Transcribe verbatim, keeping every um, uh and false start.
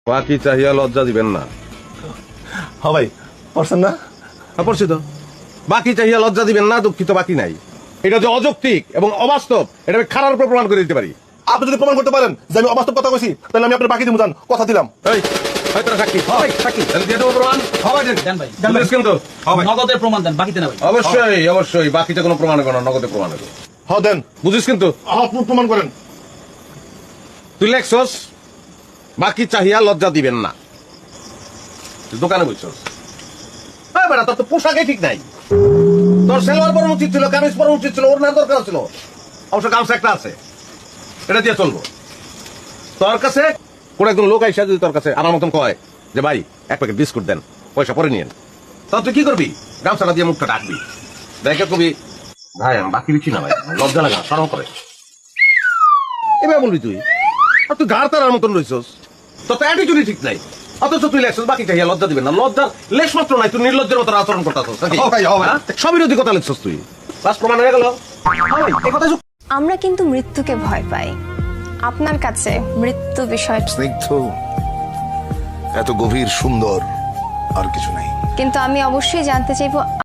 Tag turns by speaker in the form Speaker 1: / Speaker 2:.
Speaker 1: বাকি চাহিয়া লজ্জা দিবেন না।
Speaker 2: হ্যাঁ ভাই, পারছেন না?
Speaker 1: হ্যাঁ, পড়ছি তো। বাকি চাহিয়া লজ্জা দিবেন না, দুঃখিত বাকি নাই। এটা যে অযৌক্তিক এবং অবাস্তব, এটা আমি খারাপ উপর প্রমাণ করে দিতে পারি।
Speaker 2: আপনি যদি প্রমাণ করতে পারেন যে আমি অবাস্তব কথা কইছি, তাহলে আমি আপনার বাকি দিব, জান, কথা দিলাম।
Speaker 1: এই, হয় তোরা সাক্ষী। হয়, সাক্ষী। তাহলে দিয়ে দেবো প্রমাণ?
Speaker 3: হবে দেন ভাই,
Speaker 1: বুঝিস কিন্তু? হবে।
Speaker 3: নগদের প্রমাণ দেন, বাকিতে না ভাই।
Speaker 1: অবশ্যই, অবশ্যই। বাকিতে কোনো প্রমাণ হবে না, নগদে প্রমাণ হবে।
Speaker 2: হ্যাঁ দেন।
Speaker 1: বুঝিস কিন্তু?
Speaker 2: হ্যাঁ, আপনি প্রমাণ করেন।
Speaker 1: তুই লেখছস বাকি চাহিয়া লজ্জা দিবেন না, তুই দোকানে বুঝছস। হ্যাঁ বেটা, তোর তো পোশাকে ঠিক নাই। তোর সেলোয়ার পরা উচিত ছিল, কামিজ পরা উচিত ছিল, ওর না দরকার ছিল। অবশ্য গামছা একটা আছে, এটা দিয়ে চলবো। তোর কাছে কোন একজন লোক আইসা যদি তোর কাছে আমার মতন কয় যে ভাই এক প্যাকেট বিস্কুট দেন, পয়সা পরে নিয়েন, তখন তুই কি করবি? গামছাটা দিয়ে মুখটা ডাকবি, দেখে কবি ভাই আমি বাকি দিচ্ছি না, ভাই লজ্জা লাগা, সরম করে। এবার বলবি তুই, আর তুই ঘাড় তারার মতন রইছস, তোর তো অ্যাটিটিউডই ঠিক নাই। অথচ তুই লেখছস বাকি চাহিয়া লজ্জা দিবেন না। লজ্জার লেশ মাত্র নাই, তুই নির্লজ্জের মতো আচরণ করতেছস নাকি? সবিরোধী কথা লিখছস তুই। বাস প্রমাণ হয়ে গেল। এই কথা
Speaker 4: আমরা কিন্তু মৃত্যুকে ভয় পাই। আপনার কাছে মৃত্যু বিষয়
Speaker 5: স্নিগ্ধ, এত গভীর সুন্দর আর কিছু নাই।
Speaker 4: কিন্তু আমি অবশ্যই জানতে চাইবো